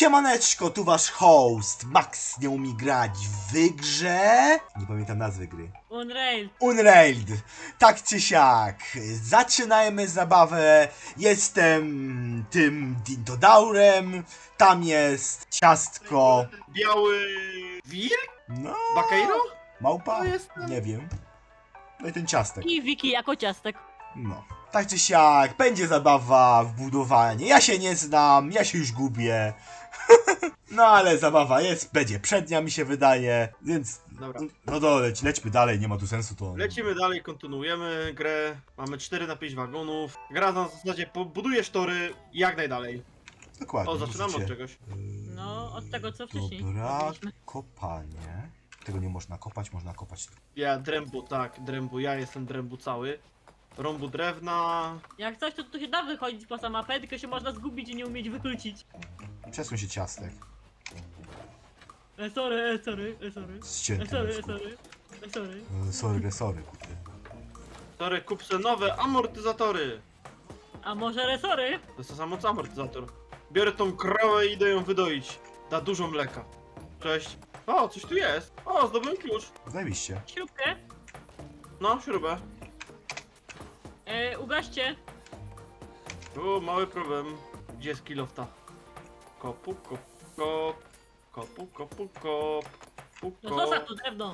Siemaneczko, tu wasz host, Max nie umie grać w grze... Nie pamiętam nazwy gry. Unrailed. Tak czy siak, zaczynajmy zabawę. Jestem tym Dintodaurem, tam jest ciastko... Biały wilk? No... Bakeiro? Małpa? To jest... Nie wiem. No i ten ciastek. I Wiki jako ciastek. No. Tak czy siak, będzie zabawa w budowanie. Ja się nie znam, ja się już gubię. No ale zabawa jest, będzie przednia mi się wydaje, więc... Dobra. No to lećmy dalej, nie ma tu sensu to... Lecimy dalej, kontynuujemy grę. Mamy 4 na 5 wagonów. Gra na zasadzie budujesz tory jak najdalej. Dokładnie. O, zaczynamy od widzicie. czegoś. No, od tego co wcześniej. Dobra, robiliśmy. kopanie. Tego nie można kopać, można kopać... Ja drębu, tak, drębu, ja jestem drębu cały. Rąbu drewna. Jak coś, to tu się da wychodzić poza mapę, tylko się można zgubić i nie umieć wykluczyć. Przesuń się ciastek. Sorry. Ścięty. Sorry. Sorry, kurde. Tory, kup se nowe amortyzatory. A może resory? To jest to samo co amortyzator. Biorę tą krowę i idę ją wydoić. Da dużo mleka. Cześć. O, coś tu jest. O, zdobyłem klucz. Zajebiście. Śrubkę. No, śrubę. Ugaście. O, mały problem. Gdzie jest kilofta? Kopu, kop, kop. Kopu, kopu, kop. Kopu, No sosa kop. tu drewno.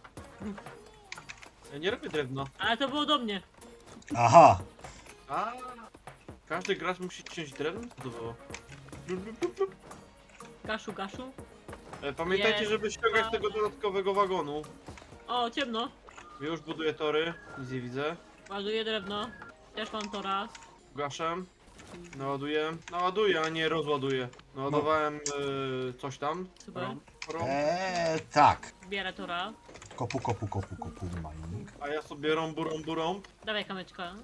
Ja nie robię drewna. Ale to było do mnie. Aha! A, każdy gracz musi ciąć drewno? Co to było? Blup, blup, blup, blup. Gaszu. Pamiętajcie, Jest. żeby ściągać tego dodatkowego wagonu. O, ciemno. Już buduję tory. Nic nie widzę. Ładuję drewno. Też mam to raz. Gaszę. Naładuję. Naładuję, a nie rozładuję. Naładowałem coś tam. Super. Rąb. Tak. Bierę to raz. Kopu, mining. A ja sobie rąb. Dawaj kamyczka.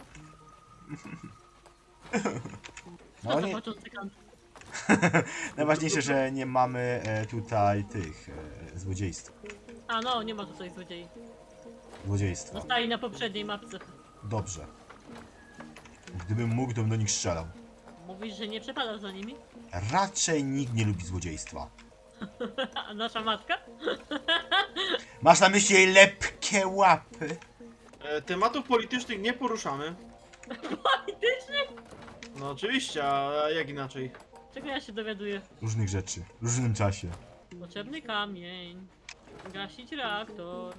No To nie, początek kant. najważniejsze, że nie mamy tutaj tych złodziejstw. A no, nie ma tutaj złodziei. Złodziejstwa. Zostali na poprzedniej mapce. Dobrze. Gdybym mógł, to bym do nich strzelał. Mówisz, że nie przepadasz za nimi? Raczej nikt nie lubi złodziejstwa. A nasza matka? Masz na myśli jej lepkie łapy? Tematów politycznych nie poruszamy. Politycznie? No oczywiście, a jak inaczej? Czego ja się dowiaduję? Różnych rzeczy. W różnym czasie. Potrzebny kamień. Gasić reaktor.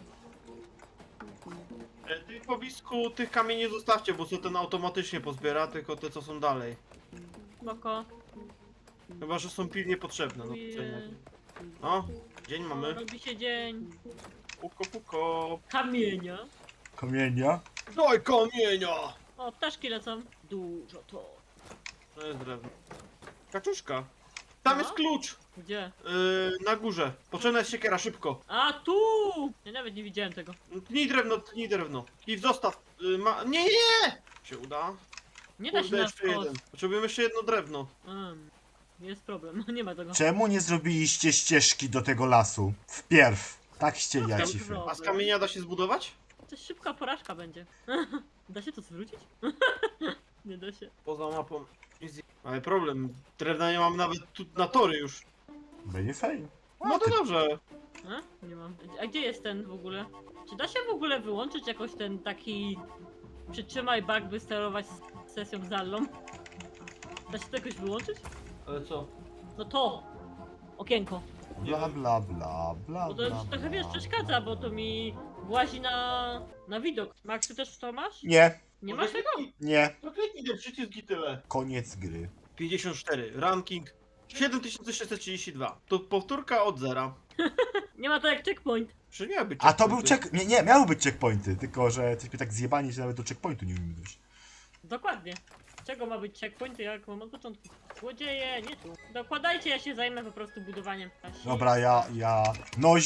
Tych powisku tych kamieni zostawcie, bo sobie ten automatycznie pozbiera, tylko te co są dalej. Spoko. Chyba, że są pilnie potrzebne. No, Uje. no dzień mamy. Robi się dzień. Puko. Kamienia. Kamienia? Daj kamienia! O, ptaszki lecą. Dużo to. To jest drewno. Kaczuszka. Tam No. jest klucz! Gdzie? Na górze. Potrzebna jest siekiera, szybko. A, tu! Ja nawet nie widziałem tego. Tnij drewno. I zostaw. Nie! Się uda. Nie da się Kurde, na jeszcze jeden. wprost. Potrzebujemy jeszcze jedno drewno. Jest problem, nie ma tego. Czemu nie zrobiliście ścieżki do tego lasu? Wpierw. Tak ścieli Tam cify. wro- A z kamienia da się zbudować? To szybka porażka będzie. Da się to zwrócić? Nie da się. Poza mapą. Easy. Ale problem. Drewna nie mam nawet tu na tory już. Będzie fajnie. No to dobrze. A? Nie mam. A gdzie jest ten w ogóle? Czy da się w ogóle wyłączyć jakoś ten taki... Przytrzymaj bug, by sterować sesją z Allą? Da się to jakoś wyłączyć? Ale co? No to! Okienko. Bla bla Bo to już trochę wiesz, przeszkadza, bo to mi włazi na widok. Max, ty też to masz? Nie, Nie masz tego? nie. To kliknij ten przycisk i tyle. Koniec gry. 54. Ranking 7632. To powtórka od zera. Nie ma to jak checkpoint. Czy miał być A to był checkpointy? Nie, miały być checkpointy, tylko że jesteśmy tak zjebani, że nawet do checkpointu nie umiemy dojść. Dokładnie. Czego ma być checkpoint, jak mam od początku? Złodzieje, nie tu. Dokładajcie, ja się zajmę po prostu budowaniem. Dobra, ja... Noś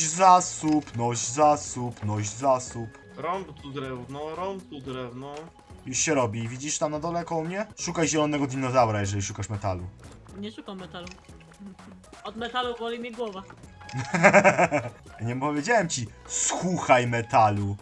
zasób. Rąb tu drewno. Już się robi. Widzisz tam na dole koło mnie? Szukaj zielonego dinozaura, jeżeli szukasz metalu. Nie szukam metalu. Od metalu boli mnie głowa. Nie powiedziałem ci, słuchaj metalu.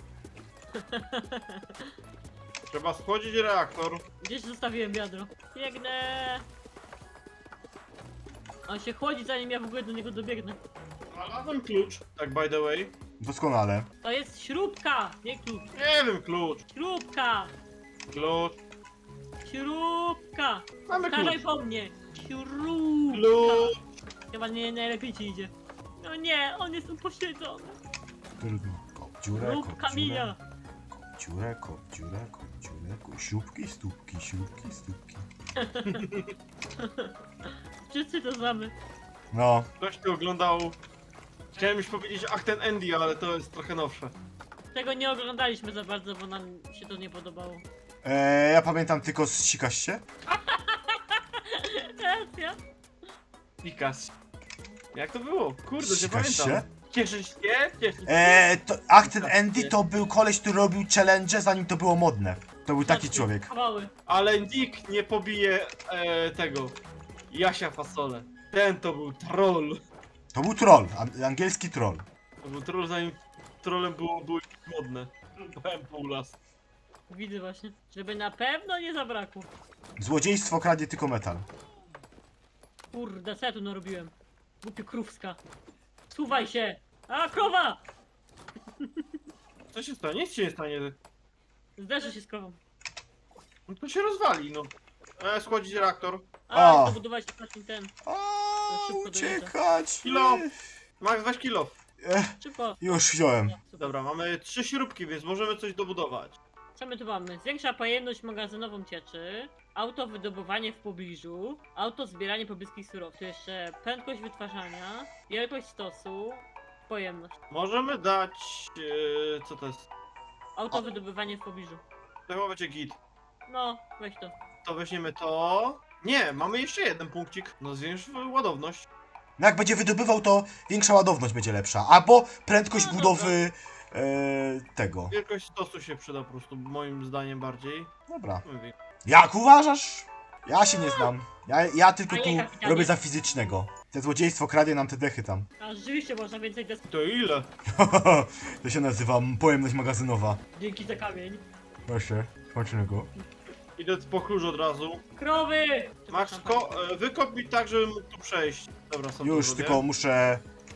Trzeba schodzić reaktor. Gdzieś zostawiłem wiadro. Biegnę. On się chłodzi, zanim ja w ogóle do niego dobiegnę. Znalazłem klucz, tak by the way. Doskonale. To jest śrubka, nie klucz. Nie wiem, klucz. Śrubka! Klucz. Śrubka! Mamy Staraj klucz. po mnie! Śrubka! Klucz. Chyba nie najlepiej ci idzie. No nie, on jest upośledzony. Trudno. Kop dziurę, Lub kop kamienia. dziurę, kop dziurę, kop dziurę, siupki, stópki, siupki, stópki. Wszyscy to znamy. No, Ktoś tu oglądał... Chciałem już powiedzieć Ach ten Andy, ale to jest trochę nowsze. Tego nie oglądaliśmy za bardzo, bo nam się to nie podobało. ja pamiętam tylko z Sikaście. Racja. Pikas. Jak to było? Kurde, nie Sikasz się? pamiętam. Cieszysz się? Cieszysz się? Ach, ten Andy to był koleś, który robił challenge, zanim to było modne. To był taki człowiek. Kawały. Ale nikt nie pobije tego Jasia Fasole. Ten to był troll. To był troll, angielski troll. To był troll zanim trollem było modne. Byłem pół las. Widzę właśnie. Żeby na pewno nie zabrakło. Złodziejstwo kradnie tylko metal. Kurde, co ja tu narobiłem? Głupio krówska. Suwaj się! A, krowa! Co się stanie? Nic się nie stanie. Zderzę się z krową. No to się rozwali, no. Schłodzić reaktor. A, O. to budować taki ten. O, szybko dojeżdża. uciekać! Kilo. Max, weź kilo. Szybko. Już wziąłem. Dobra, mamy 3 śrubki, więc możemy coś dobudować. Co my tu mamy? Zwiększa pojemność magazynową cieczy, auto wydobywanie w pobliżu, auto zbieranie pobliskich surowców. Tu jeszcze prędkość wytwarzania, wielkość stosu, pojemność. Możemy dać... co to jest? Auto wydobywanie w pobliżu. To chyba będzie git. No, weź to. To weźmiemy to... Nie, mamy jeszcze jeden punkcik. No zwiększ ładowność. No jak będzie wydobywał, to większa ładowność będzie lepsza. Albo prędkość No budowy tego. Wielkość stosu się przyda po prostu, moim zdaniem bardziej. Dobra. Mówię. Jak uważasz? Ja się nie znam. Ja tylko tu Panie kapitanie. robię za fizycznego. Te złodziejstwo kradnie nam te dechy tam. A rzeczywiście można więcej desk. To ile? To się nazywa pojemność magazynowa. Dzięki za kamień. Proszę, smacznego. Idę po klucz od razu. Krowy! Max, wykop mi tak, żebym mógł tu przejść. Dobra, sobie Już, to tylko zrobię. muszę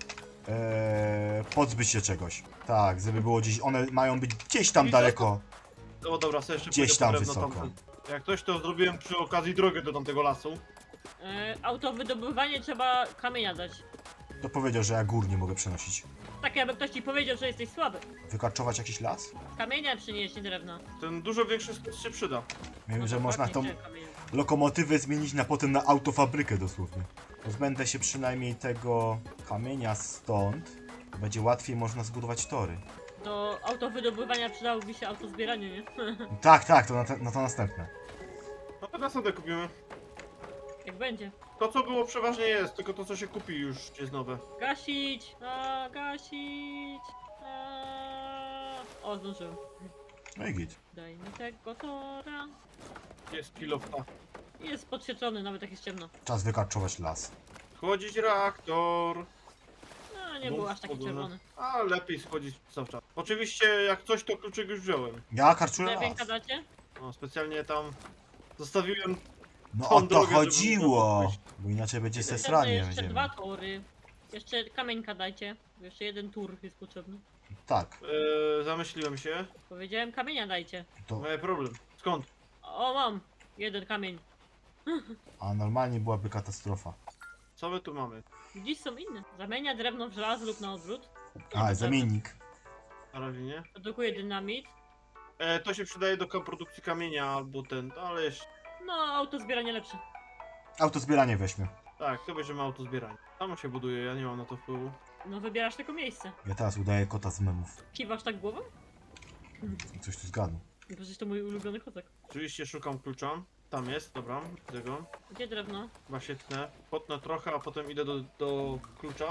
pozbyć się czegoś. Tak, żeby było gdzieś, one mają być gdzieś tam I co? daleko. O dobra, sobie jeszcze Gdzieś pójdę tam po drewno wysoko. tamten. Jak ktoś to zrobiłem przy okazji drogę do tamtego lasu. Auto wydobywanie trzeba kamienia dać. To powiedział, że ja gór nie mogę przenosić. Tak jakby ktoś ci powiedział, że jesteś słaby. Wykarczować jakiś las? Kamienia przynieść, nie drewna. Ten dużo większy stos się przyda. Wiem, No że to można tą ładnie, gdzie kamienie? lokomotywę zmienić na potem na autofabrykę dosłownie. Pozbędę się przynajmniej tego kamienia stąd. Będzie łatwiej można zbudować tory. Do auto wydobywania przydałoby się auto zbieranie, nie? Tak, to na to następne. No to następne kupimy. Jak będzie. To co było przeważnie jest, tylko to co się kupi już jest nowe. Gasić! A, gasić! A... O, zdążyłem. No i git. Daj mi tego tora. Jest kilofta. Jest podświetlony, nawet jak jest ciemno. Czas wykarczować las. Schłodzić reaktor. No, nie Bum, był aż taki schłodzone. czerwony. A lepiej schodzić cały czas. Oczywiście jak coś to kluczyk już wziąłem. Ja karczuję Drewienka las. dacie? No specjalnie tam zostawiłem. No tą o to drogę, żeby chodziło! można było Bo inaczej będzie Jeszcze sesranie jeszcze będziemy. 2 tory. Jeszcze kamieńka dajcie. Jeszcze jeden tur jest potrzebny. Tak, Zamyśliłem się. Powiedziałem kamienia dajcie. to. Moje problem. Skąd? O, mam! Jeden kamień. A normalnie byłaby katastrofa. Co my tu mamy? Dziś są inne. Zamienia drewno w żelazo lub na odwrót. A, zamiennik. Na razie nie. Produkuje dynamit. To się przydaje do produkcji kamienia albo ten, ale jeszcze. No, auto zbieranie lepsze. Autozbieranie weźmie. Tak, to bierzemy auto zbieranie. Samo się buduje, ja nie mam na to wpływu. No, wybierasz tylko miejsce. Ja teraz udaję kota z memów. Kiwasz tak głową? Coś tu zgadł. No, przecież to mój ulubiony kotek. Oczywiście szukam klucza. Tam jest, dobra, widzę go. Gdzie drewno? Chyba się tnę. Potnę trochę, a potem idę do klucza.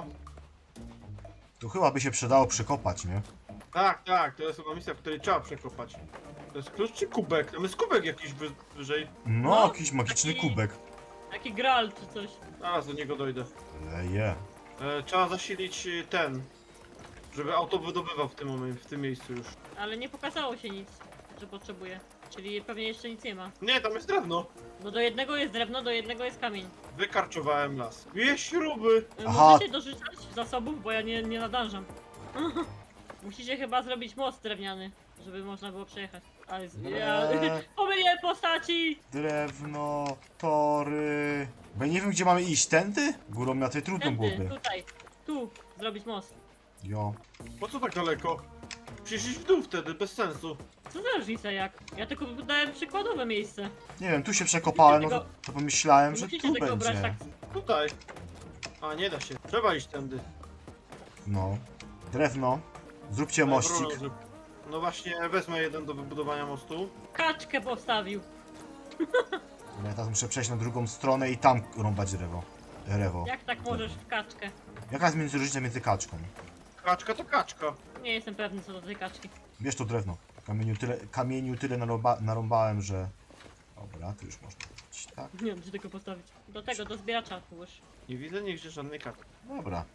Tu chyba by się przydało przekopać, nie? Tak, to jest chyba misja, w której trzeba przekopać. To jest klucz czy kubek? Tam jest kubek jakiś wyżej. No, No, jakiś magiczny taki- kubek. Taki gral czy coś. Zaraz do niego dojdę. Leje. Trzeba zasilić ten, żeby auto wydobywał w tym momencie, w tym miejscu już. Ale nie pokazało się nic, że potrzebuje. Czyli pewnie jeszcze nic nie ma. Nie, tam jest drewno. No do jednego jest drewno, do jednego jest kamień. Wykarczowałem las. Dwie śruby! Aha. Możecie dorzucać zasobów, bo ja nie nadążam. Musicie chyba zrobić most drewniany, żeby można było przejechać. Ale pomyliłem postaci! Drewno, tory... Bo ja nie wiem, gdzie mamy iść. Tędy? Górą na tej trudno Tędy, byłoby. tutaj, tu zrobić most. Jo. Po co tak daleko? Przecież iść w dół wtedy, bez sensu. Co za różnica jak? Ja tylko dałem przykładowe miejsce. Nie wiem, tu się przekopałem, no Musicie to pomyślałem, Nie że musicie tu tego brać będzie. tak. Tutaj. A, nie da się. Trzeba iść tędy. No. Drewno. Zróbcie mościk. No właśnie, wezmę jeden do wybudowania mostu. Kaczkę postawił. Ja teraz muszę przejść na drugą stronę i tam rąbać drewo. Jak tak możesz w kaczkę? Jaka jest różnica między kaczką? Kaczka to kaczka. Nie jestem pewny co do tej kaczki. Bierz to drewno. Kamieniu tyle narąbałem, że... Dobra, to już można robić, tak? Nie wiem, czy tego postawić. Do tego, do zbieracza już. Nie widzę nigdzie żadnej kaczki. Dobra.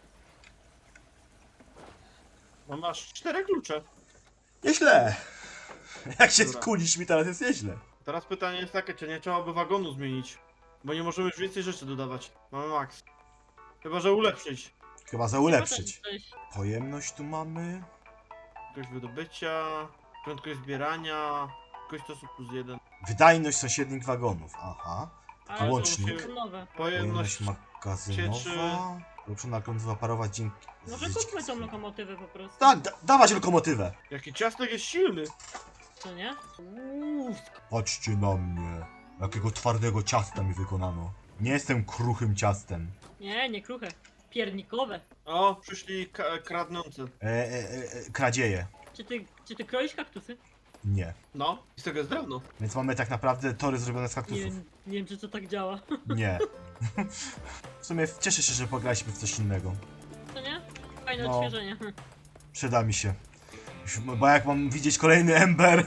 No masz 4 klucze. Nieźle! Jak się Dobra. skulisz mi teraz jest nieźle. Teraz pytanie jest takie, czy nie trzeba by wagonu zmienić? Bo nie możemy już więcej rzeczy dodawać. Mamy max. Chyba, że ulepszyć. Chyba za ulepszyć. Potem coś- Pojemność tu mamy. Prędkość wydobycia, prędkość zbierania, prędkość stosu plus 1. Wydajność sąsiednich wagonów. Aha. Ale Łącznik. to są nowe. Pojemność. Pojemność magazynowa. Ulepszona lokomotywa parować dzięki... Może kupmy tą lokomotywę po prostu. Tak, dawać lokomotywę. Jaki ciastek jest silny. Co nie? Patrzcie na mnie. Jakiego twardego ciasta mi wykonano. Nie jestem kruchym ciastem. Nie kruche. Piernikowe. O, przyszli kradnący. Kradzieje. Czy ty kroisz kaktusy? Nie. No, i z tego jest drewno. Więc mamy tak naprawdę tory zrobione z Nie, kaktusów. nie wiem, czy to tak działa. Nie. W sumie cieszę się, że pograliśmy w coś innego. Co nie? Fajne No. odświeżenie. Przyda mi się. Bo jak mam widzieć kolejny Ember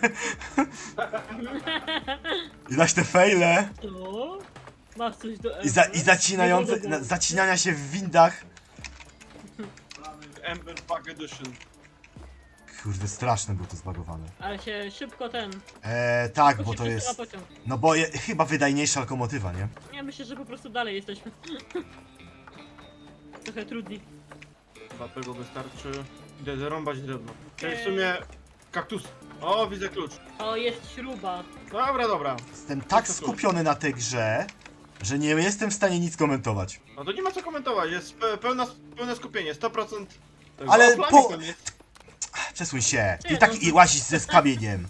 i dać te fejle Co? Masz coś do i zacinające, zacinania się w windach. Ember Bug Edition. Kurde, straszne było to zbagowane. Ale się szybko Tak, szybko bo się to przesyła jest... pociąg. No bo chyba wydajniejsza lokomotywa, nie? Ja myślę, że po prostu dalej jesteśmy. Trochę trudniej. Chyba tego wystarczy. Idę zarąbać drewno. Czyli w sumie kaktus. O, widzę klucz. O, jest śruba. Dobra. Jestem tak skupiony na tej grze, że nie jestem w stanie nic komentować. No to nie ma co komentować, jest pełne skupienie, 100%. Tego. Ale O, Flamik tam jest. Przesuń się. Ty Nie, i tak no. i łazisz z kamieniem.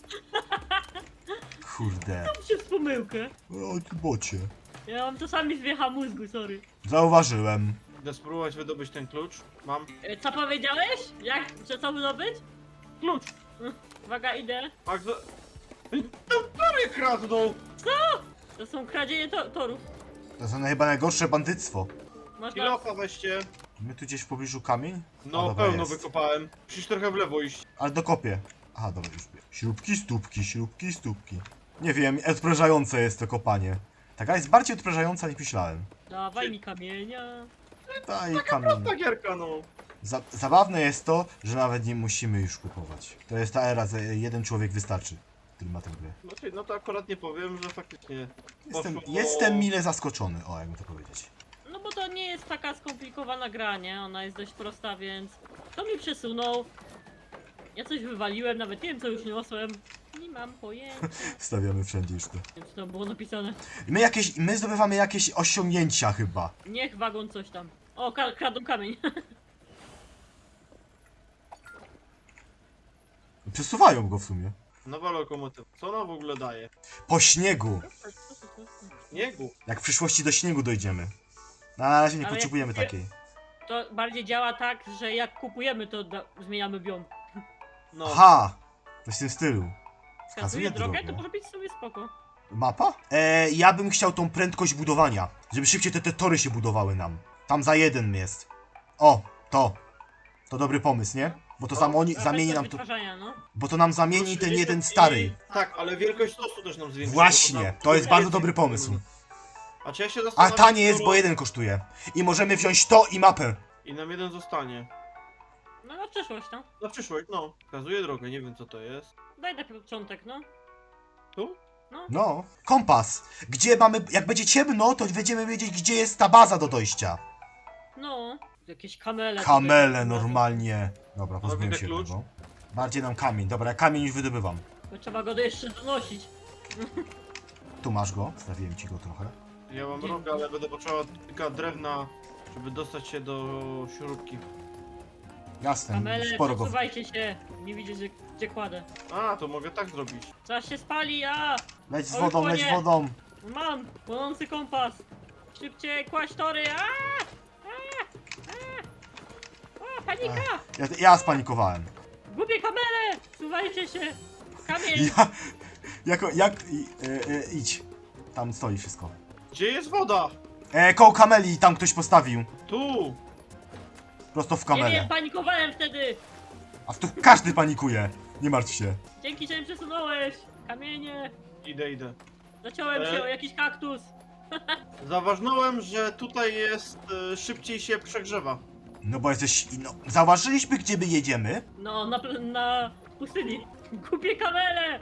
Kurde. Przez pomyłkę. O, ty bocie. Ja mam czasami zwiecha mózgu, sorry. Zauważyłem. Idę spróbować wydobyć ten klucz. Mam Co powiedziałeś? Jak? Że co wydobyć? klucz. Uwaga, idę. Magda... Tam prawie kradną! To są kradzieje torów. To jest chyba najgorsze bandyctwo. Można... Kilofa weźcie. My tu gdzieś w pobliżu kamień? A, No, dobra, pełno jest. wykopałem. Musisz trochę w lewo iść. Ale dokopię. Aha, dobra, już wiem. Śrubki, stópki, śrubki, stópki. Nie wiem, odprężające jest to kopanie. Ta gra jest bardziej odprężająca niż myślałem. Dawaj mi kamienia. Daj kamień. Ta gierka, no. Zabawne jest to, że nawet nie musimy już kupować. To jest ta era, że jeden człowiek wystarczy, który ma tę grę. Znaczy, no to akurat nie powiem, że faktycznie... Jestem mile zaskoczony, o, jakby to powiedzieć. No bo to nie jest taka skomplikowana gra, nie? Ona jest dość prosta, więc... Kto mi przesunął? Ja coś wywaliłem, nawet nie wiem co już niosłem. Nie mam pojęcia. Stawiamy wszędzie już to. Nie wiem, co tam było napisane. My zdobywamy jakieś osiągnięcia chyba. Niech wagon coś tam. O, kradą kamień. Przesuwają go w sumie. Nowa lokomotywa. Co ona w ogóle daje? Po śniegu. Śniegu. Jak w przyszłości do śniegu dojdziemy. Na razie nie Ale potrzebujemy jak- takiej. To bardziej działa tak, że jak kupujemy, to zmieniamy biom. No. Aha! Coś w tym stylu. Wskazuje drogę, to drogę. może być sobie spoko. Mapa? Ja bym chciał tą prędkość budowania. Żeby szybciej te tory się budowały nam. Tam za jeden jest. O, to. To dobry pomysł, nie? Bo to zamieni nam to. Wytwarzania, no. Bo to nam zamieni ten jeden stary. Tak, ale wielkość stosu też nam zwiększa. Właśnie, to jest bardzo dobry pomysł. A czy ja się A zastanawiam... tanie jest, skoro- bo jeden kosztuje. I możemy wziąć to i mapę. I nam jeden zostanie. No na przyszłość, no. Na przyszłość, no. Wskazuje drogę, nie wiem co to jest. Daj na początek, no. Tu? No, kompas. Gdzie mamy, jak będzie ciemno, to będziemy wiedzieć, gdzie jest ta baza do dojścia. No. Jakieś kamele. Kamele tutaj. normalnie. Dobra, widzę pozbyłem się klucz. tego. Bardziej nam kamień. Dobra, ja kamień już wydobywam. Bo trzeba go jeszcze donosić. Tu masz go, stawiłem ci go trochę. Ja mam rogę, ale będę potrzebował tylko drewna, żeby dostać się do śrubki. Jasne, Kamele, sporo go. przesuwajcie się. Nie widzicie, gdzie kładę. A, to mogę tak zrobić. Zaraz się spali, a! Leć z Oj, wodą, leć płonie. wodą. Mam! Płonący kompas! Szybciej, kłaść tory! O, panika! Ja spanikowałem. Gubię kamerę! Suwajcie się! Kamień! Idź. Tam stoi wszystko. Gdzie jest woda? Koło kameli, tam ktoś postawił. Tu! Prosto w Nie kamelę. wiem, panikowałem wtedy! A tu każdy panikuje. Nie martw się. Dzięki, że mnie przesunąłeś! Kamienie! Idę. Zaciąłem się o jakiś kaktus! Zauważyłem, że tutaj jest szybciej się przegrzewa. No bo jesteś... No, zauważyliśmy, gdzie my jedziemy. No, na pustyni! Gubię kamerę!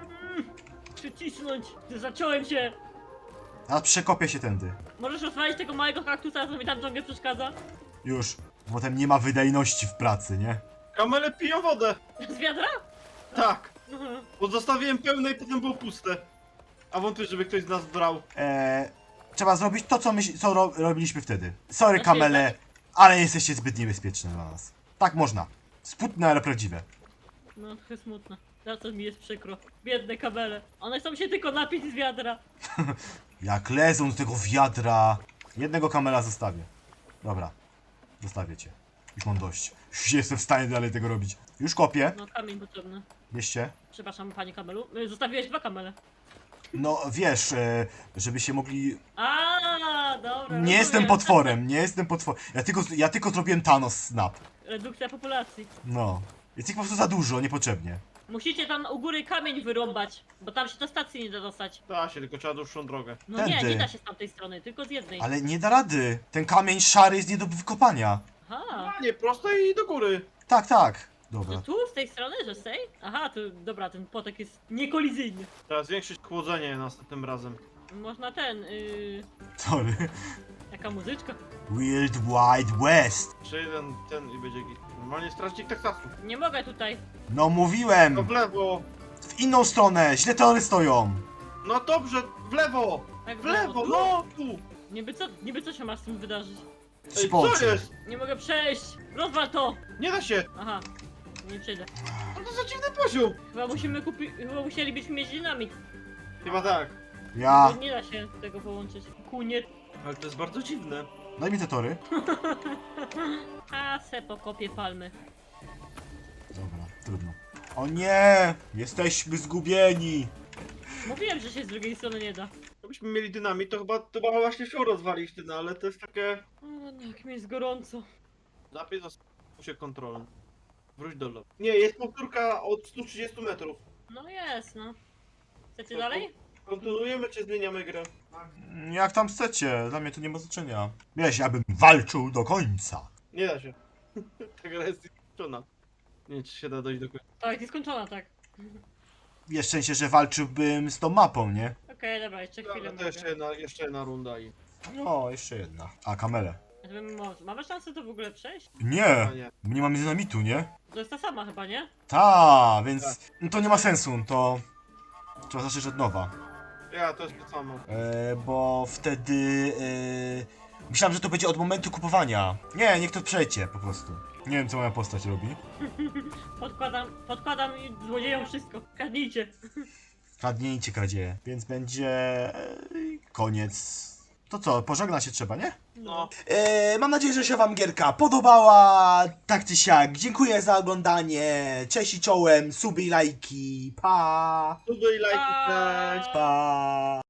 Przycisnąć! Zaciąłem się! A przekopię się tędy. Możesz rozwalić tego małego kaktusa, co mi tam ciągle przeszkadza? Już. Potem nie ma wydajności w pracy, nie? Kamele piją wodę! Z wiadra? Tak! Bo zostawiłem pełne i potem było puste. A wątpię, żeby ktoś z nas brał. Trzeba zrobić to, co robiliśmy wtedy. Sorry, Znaczy, kamele, ale jesteście zbyt niebezpieczne dla nas. Tak można. Smutne, ale prawdziwe. No, trochę smutno. Za to mi jest przykro. Biedne kabele. One chcą się tylko napić z wiadra. Jak lezą do tego wiadra. Jednego kamela zostawię. Dobra. Zostawię cię. Już mam dość. Już nie jestem w stanie dalej tego robić. Już kopię. No, kamień potrzebny. Bierzcie. Przepraszam, panie kamelu. Zostawiłeś 2 kamele. No wiesz, żeby się mogli... A, dobra. Nie jestem potworem, nie jestem potworem. Ja tylko zrobiłem Thanos snap. Redukcja populacji. No. Jest ich po prostu za dużo, niepotrzebnie. Musicie tam u góry kamień wyrąbać, bo tam się do stacji nie da dostać. Da się, tylko trzeba dłuższą drogę. No nie, Tędy. nie da się z tamtej strony, tylko z jednej. Ale nie da rady. Ten kamień szary jest nie do wykopania. Aha. A nie, prosto i do góry. Tak, tak. Że Dobra. tu, z tej strony, że z tej? Aha, to dobra, ten potek jest niekolizyjny. Trzeba zwiększyć chłodzenie następnym razem. Można ten, Sorry. jaka muzyczka? Wild Wild West. Jeszcze jeden, ten i będzie git. Normalnie strażnik Teksasu. Nie mogę tutaj. No No mówiłem. w lewo! W inną stronę. Źle tory stoją. No dobrze, w lewo! Tak W lewo, tu? no tu! Niby co się ma z tym wydarzyć? Się Ej, co połączy. jest? Nie mogę przejść! Rozwal to! Nie da się! Aha, nie przejdę. No to za dziwny poziom! Chyba musielibyśmy mieć dynamit. Chyba tak. Ja. Bo nie da się tego połączyć. Kunie. Ale to jest bardzo dziwne. Daj mi te tory. A se pokopię palmy. Dobra, trudno. O nie! Jesteśmy zgubieni. Mówiłem, że się z drugiej strony nie da. Gdybyśmy mieli dynamit, to chyba właśnie się rozwalić no ale to jest takie... O, no, jak mi jest gorąco. Zapis się kontrolą. Wróć do lotu. Nie, jest powtórka od 130 metrów. No jest, no. Chcecie dalej? Kontynuujemy czy zmieniamy grę? Jak tam chcecie, dla mnie to nie ma znaczenia. Wiesz, ja bym walczył do końca. Nie da się. Ta gra jest skończona. Nie wiem, czy się da dojść do końca. Tak, jest skończona, tak. Wiesz, w sensie, że walczyłbym z tą mapą, nie? Okej, dobra, jeszcze chwilę Dobra, to jeszcze jedna runda i... No, jeszcze jedna. A, kamele. Mamy szansę to w ogóle przejść? Nie, A nie. my nie mamy dynamitu, nie? To jest ta sama chyba, nie? Ta, więc no to nie ma sensu, to trzeba zacząć od nowa. Ja, to jest to samo. Bo wtedy myślałem, że to będzie od momentu kupowania. Nie, niech to przejdzie po prostu. Nie wiem, co moja postać robi. Podkładam złodziejom wszystko. Kradnijcie. Kradnijcie kradzieje, więc będzie koniec. To co, pożegna się trzeba, nie? No. Mam nadzieję, że się wam gierka podobała. Tak czy siak, dziękuję za oglądanie. Cześć i czołem, suby i lajki. Pa! Suby i lajki, cześć! Pa!